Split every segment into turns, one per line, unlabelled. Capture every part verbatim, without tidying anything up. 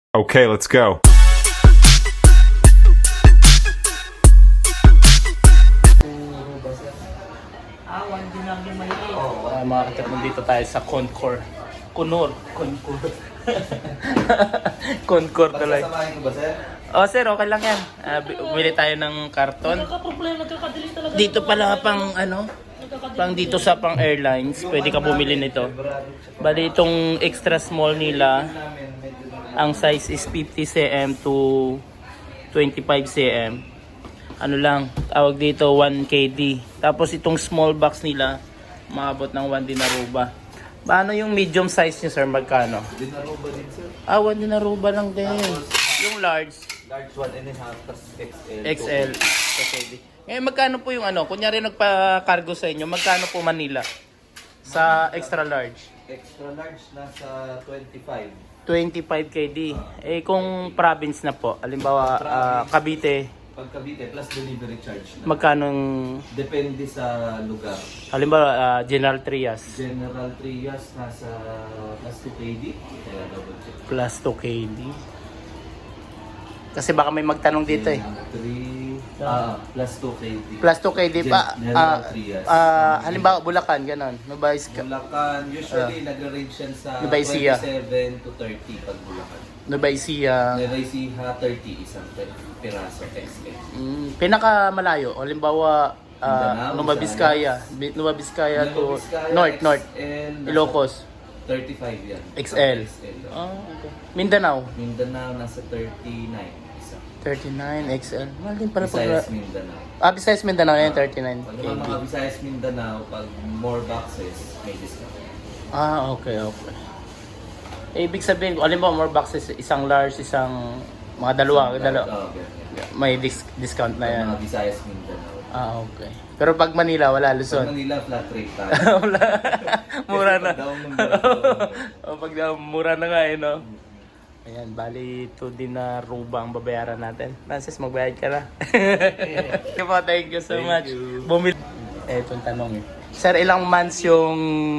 Okay, let's go.
Awan din lang yung maliit.
Oh, uh, mga katrip, nandito tayo sa Concor. Kunor. Concor. Concor tuloy.
Sasamahin ko ba, sir?
Oh, sir, okay lang yan. Uh, bumili tayo ng karton.
Nagka-problema, nagkakadali talaga.
Dito pala pang ano, pang dito sa pang airlines, pwede ka bumili nito. Bali itong extra small nila, ang size is fifty centimeters to twenty-five centimeters. Ano lang, tawag dito one K D. Tapos itong small box nila, maabot ng one dinaruba. Paano yung medium size niyo, sir? Magkano?
Dinaruba din, sir.
Ah, one dinaruba lang din. Yung large,
Large one and a half, tas X L.
X L. Okay. Ngayon, magkano po yung ano? Kunyari nagpa-cargo sa inyo, magkano po Manila? Sa extra large?
Extra large, nasa twenty-five.
twenty-five K D. Eh kung province na po, halimbawa ah, Cavite,
Pag Cavite, plus delivery charge na.
magkano?
Depende sa lugar.
Halimbawa ah, General Trias,
General Trias, nasa plus two K D. Kaya double check.
plus two K D. Kasi baka may magtanong dito eh.
three, ah, plus two K D.
Plus two K D pa.
Gen-
ah,
General Trias.
ah, halimbawa Bulacan, ganun. Nubayis ka.
Bulacan, usually nag-range yan sa
Nueva Ecija.
twenty-seven to thirty pag Bulacan.
Nubaysia.
Nueva Ecija, thirty isang piraso X L.
Mm, pinakamalayo, halimbawa
Mindanao,
uh, Nueva Vizcaya, Bi- Nueva Vizcaya to North, North,
And
Ilocos,
thirty-five yan.
X L.
X L.
Ah, okay. Mindanao,
Mindanao nasa thirty-nine isa.
thirty-nine X L. Mahal din pala
Visayas,
pag...
Mindanao.
Ah, Visayas Mindanao yan, thirty-nine
Pag
K
naman
D.
mga Visayas, Mindanao, pag more boxes, may discount.
Ah, okay, okay. Eh, ibig sabihin, kung alam mo, more boxes, isang large, isang mga dalawa, dalawa,
Oh, okay.
may dis- discount na
Pag
yan.
mga Visayas, Mindanao.
Ah, okay. Pero pag Manila, wala,
Pag
Luzon.
Manila, flat rate tayo.
Wala. Mura na.
Pag down ng Manila,
O pag na, mura na nga eh, no? Ayan, bali ito din na ruba ang babayaran natin. Francis, magbayad ka na. Thank you po, thank you so
Thank
much.
you.
Bumili. Eh, itong tanong eh. Sir, ilang months yung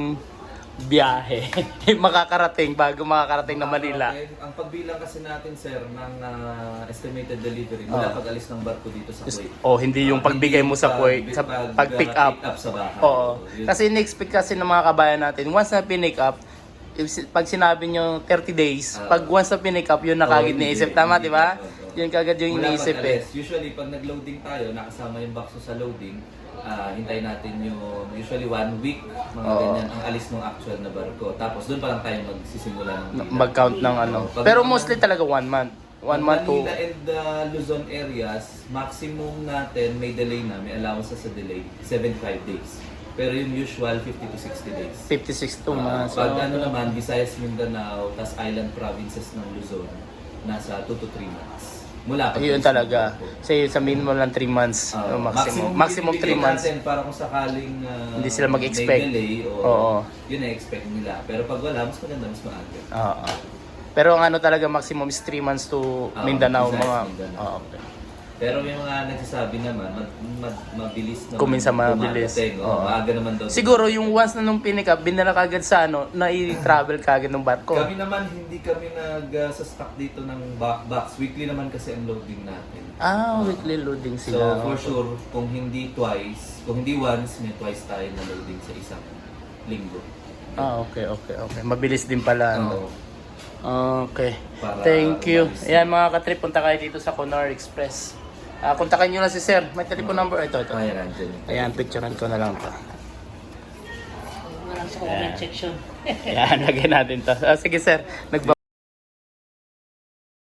biyahe makakarating bago makakarating na Manila?
Okay. Ang pagbilang kasi natin, sir, ng ah, estimated delivery mula
Oh.
pag-alis ng barko dito sa Kuwait.
Oh, hindi yung
Ah,
pagbigay
hindi
mo sa
pag-
Kuwait, sa
pag-
pag-pick
ah,
up.
pick up sa bahay.
Oo.
Yun.
Kasi in-expect kasi ng mga kabayan natin, once na pinick up, if- pag sinabi nyo thirty days,
Ah.
pag once na pinick up, yun na
Oo,
kagad
hindi,
niisip. Tama,
hindi,
di ba?
oo, oo.
Yun kagad yung
Mula
iniisip eh.
pag-alis. Usually, pag nag-loading tayo, nakasama yung box sa loading, ah, hintayin natin yung usually one week, mga
Oo.
ganyan, ang alis ng actual na barko. Tapos doon pa lang tayo magsisimula ng bilang.
Mag-count ng ano.
Pag-
Pero mostly talaga one month. One
Pag
month to
Manila and the Luzon areas, maximum natin may delay na, may allowance sa delay, seventy-five days. Pero yung usual, fifty to sixty days.
fifty-six to
Ah,
months.
pag ano naman, Visayas, Mindanao, tas island provinces ng Luzon, nasa two to three months. Mula pag
Yun talaga. Say sa minimum lang three months.
Ah,
uh, maximum. Maximum three
bibigyan
months.
natin para kung sakaling ah,
Hindi sila mag-expect.
may delay o
Oo.
yun na-expect nila. Pero pag wala, mas maganda, mas maaga.
Oo. Pero ang ano talaga maximum is three months to
Ah,
Mindanao.
Visayas,
Mga,
Mindanao.
Ah, okay.
Pero may mga nagsasabi naman, mad, mad, mabilis naman.
Kung minsan mabilis.
dumadating, o,
Oo.
maaga naman daw.
Siguro yung once na nung pinik up, binala kagad sa ano, na i-travel kagad ng barko.
Kami naman, hindi kami nag-stock dito ng ba- box. Weekly naman kasi ang loading natin.
Ah, weekly loading
So,
sila.
for sure, kung hindi twice, kung hindi once, may twice tayo na loading sa isang linggo.
Ah, okay, okay, okay. Mabilis din pala. Ano?
Oo.
Okay.
Para
Thank you.
umalis.
Ayan mga katrip, punta kayo dito sa Conor Express. Ah, kontakin nyo na si Sir. May telephone number. Ito, ito.
Ayan, andyan.
Ayan, picturean ko na lang to.
Walang sa comment section.
Ayan, lagay natin to. Ah, sige Sir, nagba